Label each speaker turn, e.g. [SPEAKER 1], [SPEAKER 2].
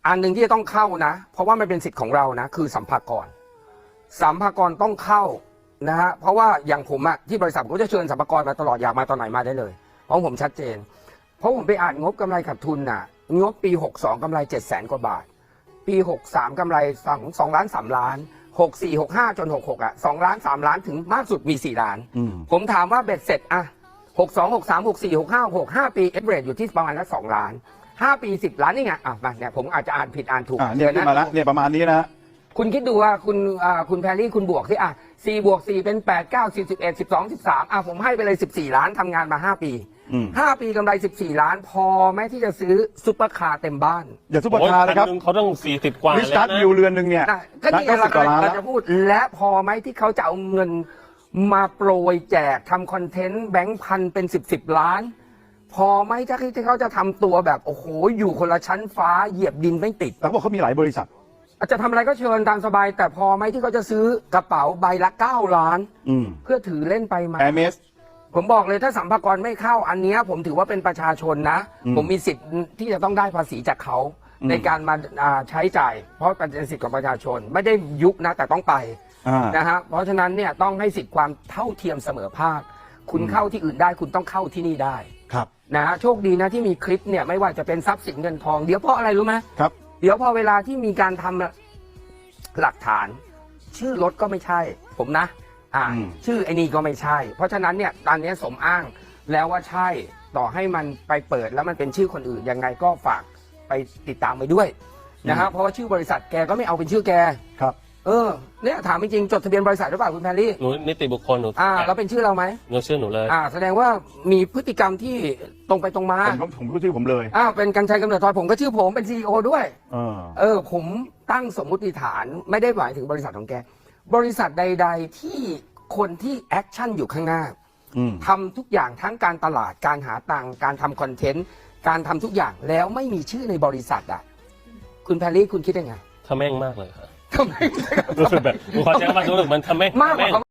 [SPEAKER 1] อันหนึ่งที่จะต้องเข้านะเพราะว่ามันเป็นสิทธิ์ของเรานะคือสัมภากรต้องเข้านะฮะเพราะว่าอย่างผมอะที่บริษัทผมจะเชิญสัมภากรมาตลอดอยากมาตอนไหนมาได้เลยเพราะผมชัดเจนเพราะผมไปอ่านงบกำไรขาดทุนน่ะงบปี62กำไร700,000 กว่าบาทปี63กำไร2 ล้าน 3 ล้าน64 65จน66อะ2 ล้าน 3 ล้านถึงมากสุดมี4 ล้านผมถามว่าเบ็ดเสร็จอะ62 63 64 65 66 5ปีเอฟเวอเรจอยู่ที่ประมาณละ2 ล้าน5 ปี 10 ล้านนี่ไงมาเนี่ยผมอาจจะอ่านผิดอ่านถูก
[SPEAKER 2] เนี่ยขึ้นมาแล้วเนี่ยประมาณนี้นะ
[SPEAKER 1] คุณคิดดูว่าคุณแพรรี่คุณบวกที่4 บวก 4เป็น8 9 10 11 12 13ผมให้ไปเลย14 ล้านทำงานมา5 ปี5 ปีกำไร14 ล้านพอไหมที่จะซื้อซุปเปอร์คาร์เต็มบ้าน
[SPEAKER 2] อย่าซุปเปอร์คาร์เลยครับ
[SPEAKER 3] เขาต้อง40 กว่า
[SPEAKER 2] วิสตัสวิวเรือนหนึ่งเนี่ย
[SPEAKER 1] ก็นี่เราจะพูดและพอไหมที่เขาจะเอาเงินมาโปรยแจกทำคอนเทนต์แบงค์พันเป็น10 ล้านพอไหมที่เขาจะทำตัวแบบโอ้โหอยู่คนละชั้นฟ้าเหยียบดินไม่ติด
[SPEAKER 2] แล้วบอกเขามีหลายบริษัท
[SPEAKER 1] อาจจะทำอะไรก็เชิญตามสบายแต่พอไหมที่เขาจะซื้อกระเป๋าใบละ9 ล้านเพื่อถือเล่นไปมา
[SPEAKER 2] Hermes
[SPEAKER 1] ผมบอกเลยถ้าสัมภากระไม่เข้าอันนี้ผมถือว่าเป็นประชาชนนะผมมีสิทธิ์ที่จะต้องได้ภาษีจากเขาในการมาใช้จ่ายเพราะเป็นสิทธิ์ของประชาชนไม่ได้ยุบนะแต่ต้องไปนะฮะเพราะฉะนั้นเนี่ยต้องให้สิทธิ์ความเท่าเทียมเสมอภาคคุณเข้าที่อื่นได้คุณต้องเข้าที่นี่ได้
[SPEAKER 2] ครับ
[SPEAKER 1] นะฮะโชคดีนะที่มีคลิปเนี่ยไม่ว่าจะเป็นทรัพย์สินเงินทองเดี๋ยวเพราะอะไรรู้ไหม
[SPEAKER 2] ครับ
[SPEAKER 1] เดี๋ยวพอเวลาที่มีการทำหลักฐานชื่อรถก็ไม่ใช่ผมนะชื่อไอ้นี่ก็ไม่ใช่เพราะฉะนั้นเนี่ยตอนนี้สมอ้างแล้วว่าใช่ต่อให้มันไปเปิดแล้วมันเป็นชื่อคนอื่นยังไงก็ฝากไปติดตามไปด้วยนะครับเพราะว่าชื่อบริษัทแกก็ไม่เอาเป็นชื่อแก
[SPEAKER 2] ครับ
[SPEAKER 1] เนี่ยถามจริงๆจดทะเบียนบริษัทหรือเปล่าคุณแพรรี่
[SPEAKER 3] หนูนิติบุคคลหนู
[SPEAKER 1] แล้วเป็นชื่อเราไหม
[SPEAKER 3] หนูชื่อหนูเลย
[SPEAKER 1] แสดงว่ามีพฤติกรรมที่ตรงไปตรงมา
[SPEAKER 2] ผมก็ชื่อผมเลย
[SPEAKER 1] เป็นกรรชัยกำเนิดทอยผมก็ชื่อผมเป็น CEO ด้วยผมตั้งสมมุติฐานไม่ได้หมายถึงบริษัทของแกบริษัทใดๆที่คนที่แอคชั่นอยู่ข้างหน้าทำทุกอย่างทั้งการตลาดการหาตังค์การทำคอนเทนต์การทำทุกอย่างแล้วไม่มีชื่อในบริษัทคุณแพรรี่คุณคิดยังไง
[SPEAKER 3] ทำแม่งมากเลยครับ
[SPEAKER 1] ทำไม
[SPEAKER 3] รู้สึกแบบขอใช้คำว่ารู้สึกมันทำแม่ง
[SPEAKER 1] มากกว่า